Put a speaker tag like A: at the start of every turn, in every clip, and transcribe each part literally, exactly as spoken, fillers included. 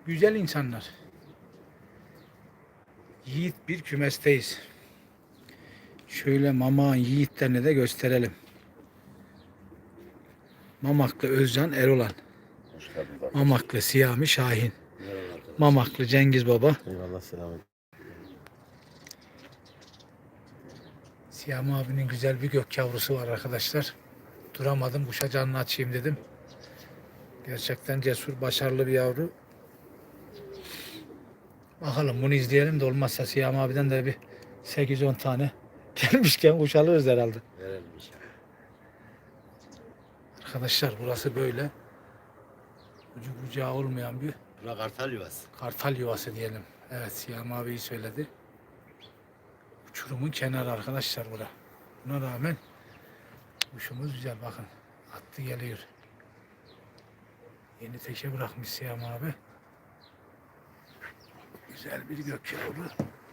A: Güzel insanlar. Yiğit bir kümesteyiz. Şöyle Mamak'ın yiğitlerini de gösterelim. Mamaklı Özcan Erolan.
B: Hoş geldiniz arkadaşlar.
A: Mamaklı Siyami Şahin.
B: Merhaba arkadaşlar.
A: Mamaklı Cengiz Baba.
B: Eyvallah, selamünaleyküm.
A: Siyami abinin güzel bir gök yavrusu var arkadaşlar. Duramadım, kuşa canını açayım dedim. Gerçekten cesur, başarılı bir yavru. Bakalım bunu izleyelim de olmazsa Siyami abiden de bir sekiz on tane gelmişken kuş alırız herhalde.
B: Verelim inşallah.
A: Arkadaşlar burası böyle. Ucu bucağı olmayan bir
B: Bura kartal yuvası.
A: kartal yuvası diyelim. Evet, Siyami abi söyledi. Uçurumun kenarı arkadaşlar bura. Buna rağmen kuşumuz güzel, bakın. Attı geliyor. Yeni teke bırakmış Siyami abi. Güzel bir gök yavru.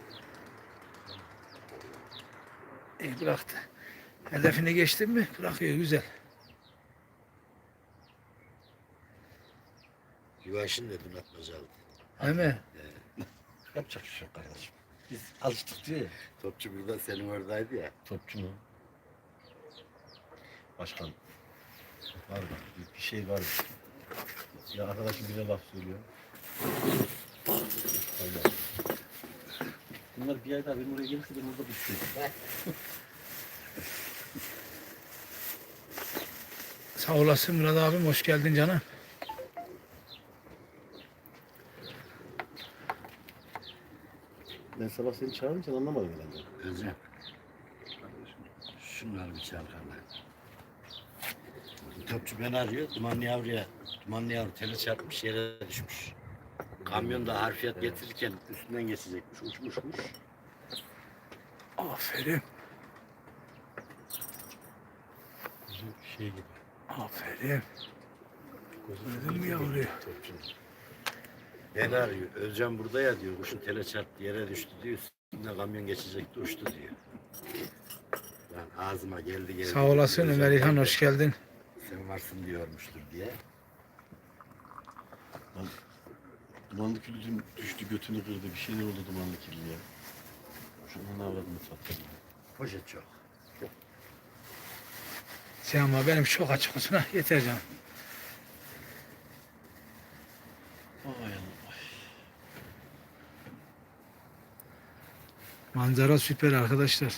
A: İyi bıraktı. Hedefini geçtin mi? Bırakıyor, güzel.
B: Yuvaşın dedim atmacalı.
A: Değil mi?
C: Yapacak bir şey yok kardeşim. Biz alıştık diyor ya.
B: Topçu burada senin oradaydı ya.
C: Topçu mu? Başkan. Var bak. Bir, bir şey var. Ya arkadaşım bize laf söylüyor. Öyle. Bunlar bir ay daha benim oraya gelirse ben orada düştüm.
A: Sağ olasın Murat abim, hoş geldin canım.
C: Ben sabah seni çağırınca anlamadım herhalde.
B: Özlem. Şunlar bir çalkarlar. Topçu beni arıyor. Dumanlı yavruya, dumanlı yavru tele çarpmış, yere düşmüş. Kamyonda harfiyat getirirken üstünden geçecekmiş. Uçmuş kuş.
A: Aferin.
C: Bizim şey gibi.
A: Aferin.
C: Gözü
A: Gördün mü yavruyu?
C: Topçu.
B: Beni arıyor. Özcan burada ya diyor. Kuşun tele çarptı, yere düştü diyor. Üstünden kamyon geçecekti, uçtu diyor. Lan ağzıma geldi geldi.
A: Sağ olasın
B: Özcan
A: Ömer İlhan,
B: geldi,
A: hoş geldin.
B: sen varsın diyormuştur diye.
C: Lan, dumanlı külü düştü, götünü kırdı. Bir şey ne oldu dumanlı külü ya? Şunun avradını sattım.
B: Poşet çok.
A: Sen ama benim çok açık olsun, ha yeter canım.
C: Vay Allah.
A: Manzara süper arkadaşlar.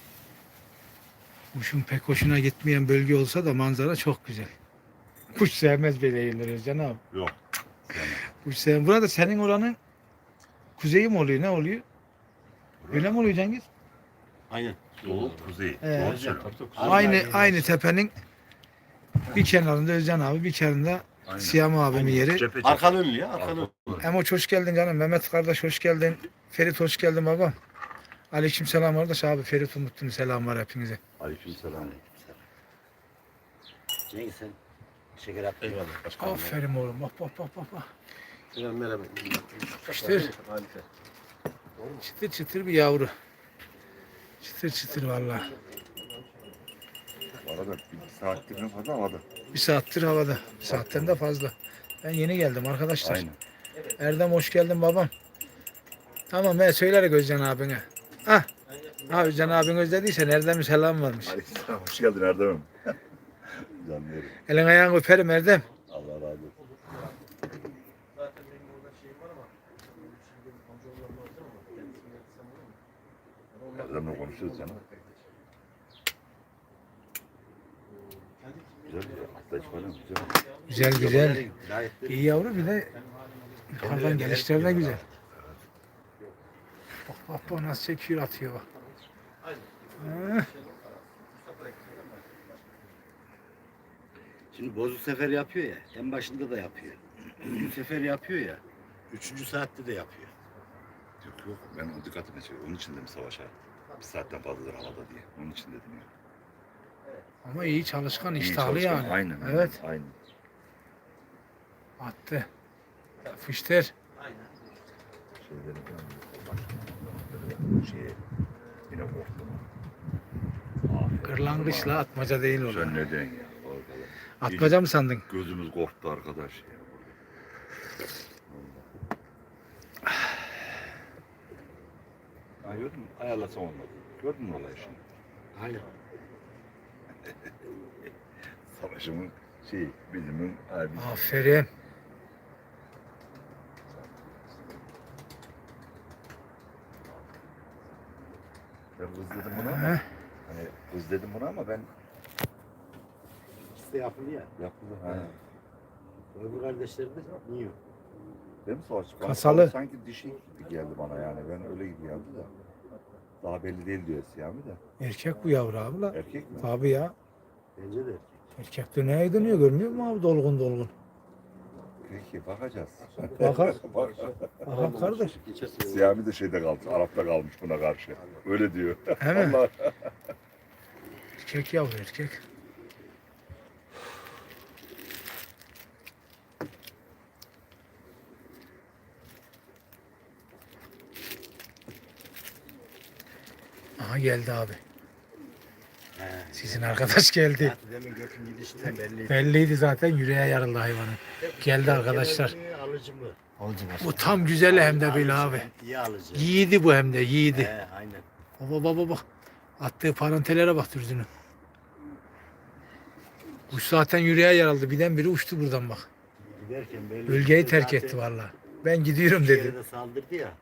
A: Kuşun pek hoşuna gitmeyen bölge olsa da manzara çok güzel. Kuş sevmez böyle yerleri canım.
D: Yok.
A: Kuş sevmez. Burada senin oranın kuzeyi mi oluyor, ne oluyor? Öyle mi oluyor Cengiz?
C: Aynen.
D: Doğu, kuzey.
A: Ee,
D: Doğru söylüyorum.
C: Tabii, tabii.
A: Aynı
B: Aynen.
A: aynı tepenin bir kenarında Özcan abi, bir kenarında
D: Aynen.
A: Siyami abimin yeri.
D: Cephe cephe.
C: Arkan önlü ya, arkan önlü.
A: Emoç hoş geldin canım. Mehmet kardeş hoş geldin. Ferit hoş geldin babam. Aleyküm selam kardeş abi. Ferit Umutlu'nun selam var hepinize.
D: Aleykümselam.
B: Cengiz sen şeker at.
C: Eyvallah başkanım.
A: Aferin oğlum. Bak bak bak bak. bak.
C: Selam merhaba.
A: İşte.
C: Harika.
A: Çıtır çıtır bir yavru. Çıtır çıtır vallahi.
D: Bu arada bir saattir ne fazla havada.
A: Bir saattir havada. Bir saatten de fazla. Ben yeni geldim arkadaşlar.
D: Aynen.
A: Erdem hoş geldin babam. Tamam ben söylerim Özcan abine. Ah. Ha Özcan abin özlediysen Erdem'in selam varmış.
D: Aleykümselam. Hoş geldin Erdem'im. Canım yerim.
A: Elin ayağını öperim Erdem.
D: Allah razı olsun. Erdem'le konuşuyoruz canım. Güzel güzel. Atlayış falan güzel.
A: Güzel güzel. İyi yavru, bir de yukarıdan gelişleri de güzel. Bak bak bak nasıl çekiyor, atıyor bak. Ha,
B: Şimdi bozuk sefer yapıyor ya. En başında da yapıyor. Üçüncü sefer yapıyor ya. Üçüncü saatte de yapıyor.
D: Yok yok. Ben o dikkatimi çekiyorum. Onun için dedim savaşa. Bir saatten fazladır havada diye. Onun için dedim ya.
A: ama iyi çalışkan,
D: İyi
A: iştahlı
D: çalışkan.
A: yani.
D: Aynen.
A: Evet.
D: Aynen.
A: Attı. Fıştır.
D: Şeyleri falan. Başka şeye yine korktum. Aferin.
A: Kırlangıçla atmaca değil
D: Sen
A: oğlum.
D: ne diyorsun ya? Arkadaş.
A: Atmaca mı sandın?
D: Gözümüz korktu arkadaş ya. Ha gördün mü? Ayarlasam olmadı. Gördün mü olayı şimdi?
B: Aynen.
D: Savaşımın şey, bilimin abi.
A: Aferin.
D: Ben kız dedim buna ama.
A: Heh.
D: Hani kız dedim buna ama ben
B: İkisi de yapılı ya.
D: yapıldı. Ha.
B: Öbür kardeşleri de yiyor.
D: Değil mi savaş? Bana
A: Kasalı.
D: savaş sanki dişi gibi geldi bana yani. Ben öyle gibi geldi de. Daha belli değil diyor Siyami de.
A: Erkek bu yavru abi la.
D: Erkek mi?
A: Tabii ya.
B: Bence de erkek.
A: Erkek döneye dönüyor görmüyor musun abi dolgun dolgun.
D: Peki bakacağız.
A: Bakar.
D: Bak.
A: Aha kardeş.
B: Geçen sene
D: Siyami de şeyde kalmış. Arap'ta kalmış buna karşı. Öyle diyor.
A: He mi?
D: Allah.
A: Erkek yavru erkek. Aha geldi abi.
B: He.
A: Sizin arkadaş geldi.
B: Zaten demin Gök'ün gidişinden belliydi.
A: Belliydi zaten yüreğe yarıldı hayvanın. Geldi arkadaşlar.
B: Genel mi, alıcı mı? Alıcı
A: Bu tam güzel hem de böyle abi.
B: İyi alıcı.
A: Yiğidi bu hem de yiğidi.
B: He, aynen.
A: Baba baba bak. Attığı parantelere bak dürzünün. Kuş zaten yüreğe yaraldı. Birden biri uçtu buradan bak.
B: Giderken belli.
A: Bölgeyi terk
B: Zaten
A: etti vallahi. Ben gidiyorum
B: bir
A: dedi.
B: yere de saldırdı ya.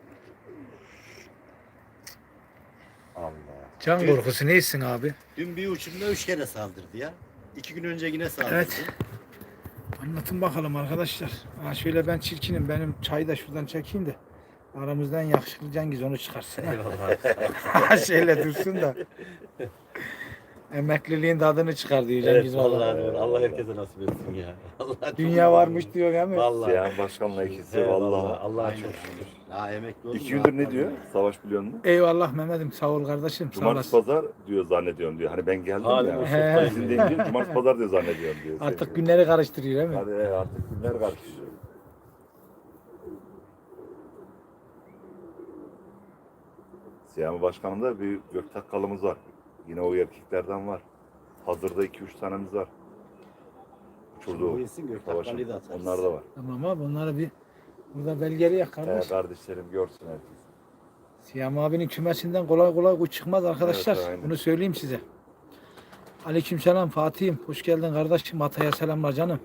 D: Allah.
A: Can korkusu neysin abi?
B: Dün bir uçumda üç kere saldırdı ya. İki gün önce yine saldırdı.
A: Evet. Anlatın bakalım arkadaşlar. Ha şöyle ben çirkinim. Benim çayı da şuradan çekeyim de. Aramızdan yakışıklı Cengiz onu çıkarsın.
B: Eyvallah.
A: Şöyle dursun da. Emekliliğin tadını çıkar diyor Cengiz
B: Evet,
A: vallahi.
B: vallahi doğru. Allah herkese nasip etsin ya. Allah
A: Dünya varmış diyor değil mi?
B: Vallahi.
D: Siyami başkanla ikisi
B: Evet,
D: vallahi.
B: Allah'a çok şükür. Ya emekli oldum.
D: İki gündür ne diyor? Savaş biliyor musun?
A: Eyvallah Mehmet'im sağ ol kardeşim. Sağ
D: Cumartesi
A: olasın.
D: pazar diyor zannediyorum diyor. Hani ben geldim
B: Hadi
D: ya.
B: hoşçakalın.
A: He.
D: İzin deyince cumartesi pazar diyor zannediyorum diyor.
A: Artık günleri karıştırıyor değil mi?
D: Hadi he, artık günler karışıyor. Siyami Başkanım'da bir göktakkalımız var. Yine o erkeklerden var. Hazırda iki üç tanemiz var. Uçurdu.
B: Bu isim
D: Savaşın.
B: Göktakkalıyı da atarız.
D: Onlar da var.
A: Tamam abi bunları bir burada belgeleyek
D: He,
A: kardeş.
D: kardeşlerim görsün herkes.
A: Siyam abinin kümesinden kolay kolay kuş çıkmaz arkadaşlar.
D: Evet, aynen.
A: Bunu söyleyeyim size. Aleykümselam Fatih'im. Hoş geldin kardeşim. Ataya selamlar canım.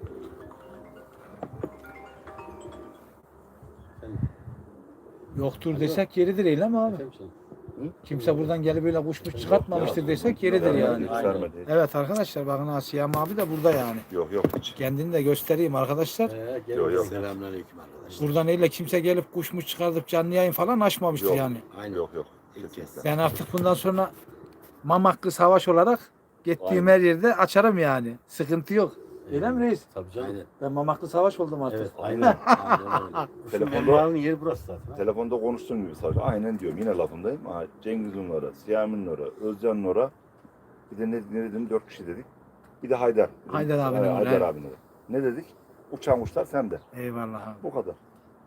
A: Yoktur desek yeridir eylem abi. Kimse buradan gelip böyle kuşmuş çıkartmamıştır desek yeridir yani.
B: Aynen.
D: Göstermedi.
A: Evet arkadaşlar bakın ha Siyam abi de burada yani.
D: Yok yok hiç.
A: Kendini de göstereyim arkadaşlar.
B: Ee,
D: Yok, yok.
B: Selamünaleyküm arkadaşlar.
A: Buradan öyle kimse gelip kuşmuş çıkartıp canlı yayın falan açmamıştır
D: Yok.
A: yani.
B: Aynen.
D: Yok yok.
B: İlk kez.
D: Kesinlikle.
A: Ben artık bundan sonra Mamaklı Savaş olarak gittiğim
B: Aynen.
A: her yerde açarım yani. Sıkıntı yok. Öyle mi reis?
B: Tabii canım. Aynen.
A: Ben Mamaklı Savaş oldum artık.
B: Evet, aynen. Aynen öyle.
D: Telefonda-
B: Telefonda yeri burası zaten.
D: Telefonda konuştuğum gibi sadece. Aynen diyorum. Yine lafındayım. Ha, Cengiz'in ora, Siyami'nin ora, Özcan'ın ora. Bir de ne, ne dedim? Dört kişi dedik. Bir de Haydar.
A: Haydar abinin
D: Ha,
A: ora,
D: Haydar
A: evet.
D: abinin ora. Ne dedik? Uçan kuşlar sende.
A: Eyvallah abi.
D: Bu kadar.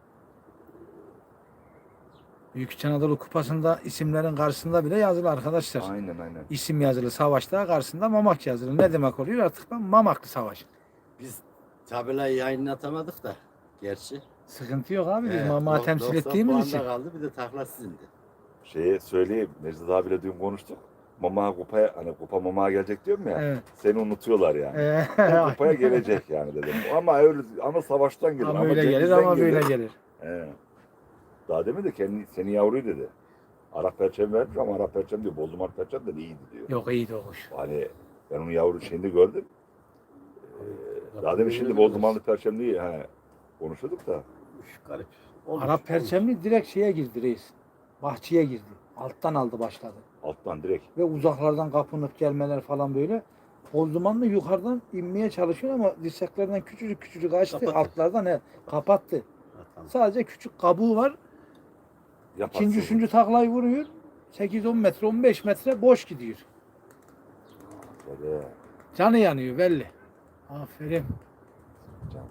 A: Büyük İç Anadolu Kupası'nda isimlerin karşısında bile yazılı arkadaşlar.
D: Aynen aynen.
A: İsim yazılı savaşta karşısında Mamak yazılı. Ne demek oluyor artık ben Mamaklı Savaş.
B: Biz tabelayı yayınlatamadık da. Gerçi.
A: Sıkıntı yok abi biz
B: Evet,
A: Mamak'ı
B: dok-
A: temsil
B: doksan
A: ettiğimiz
B: puanda
A: için.
B: kaldı bir de takla sizindi.
D: Şeye söyleyeyim. Necdet abiyle dün konuştuk. Mama kupaya, hani kupa mamaya gelecek diyorum ya.
A: Evet.
D: Seni unutuyorlar yani.
A: Ee,
D: O kupaya gelecek yani dedim. Ama öyle ama savaştan gelir.
A: ama öyle gelir
D: Cengiz'den
A: ama böyle gelir.
D: He. Daha demin de kendi, senin yavruyu dedi. Arap perçem vermiş ama Arap perçem diyor. Bozdumar perçem de iyiydi diyor.
A: Yok iyiydi o kuş.
D: Hani ben onun yavru şeyini gördüm. Ee, daha demin şimdi Bozdumanlı perçem diye he, konuşuyorduk da.
B: Üf, garip.
A: Arap perçemli direkt şeye girdi reis. Bahçeye girdi. Alttan aldı başladı.
D: Alttan direkt.
A: Ve uzaklardan kapınıp gelmeler falan böyle. Bozdumanlı yukarıdan inmeye çalışıyor ama dirseklerden küçücük küçücük açtı.
B: Kapattı.
A: Altlardan he, kapattı.
B: Ha, tamam.
A: Sadece küçük kabuğu var.
D: Yaparsın.
A: İkinci, üçüncü taklayı vuruyor. sekiz on metre, on beş metre boş gidiyor.
D: Tabii.
A: Canı yanıyor belli. Aferin.
D: Canım.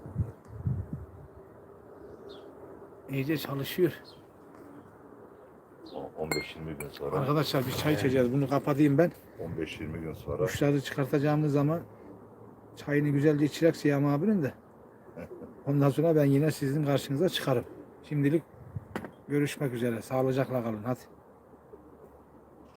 A: İyice çalışıyor.
D: O- on beş yirmi gün sonra.
A: Arkadaşlar bir çay içeceğiz. Bunu kapatayım ben.
D: on beş yirmi gün sonra.
A: Kuşları çıkartacağımız zaman çayını güzelce içecek Siyam abinin de. Ondan sonra ben yine sizin karşınıza çıkarım. Şimdilik görüşmek üzere. Sağlıcakla kalın. Hadi.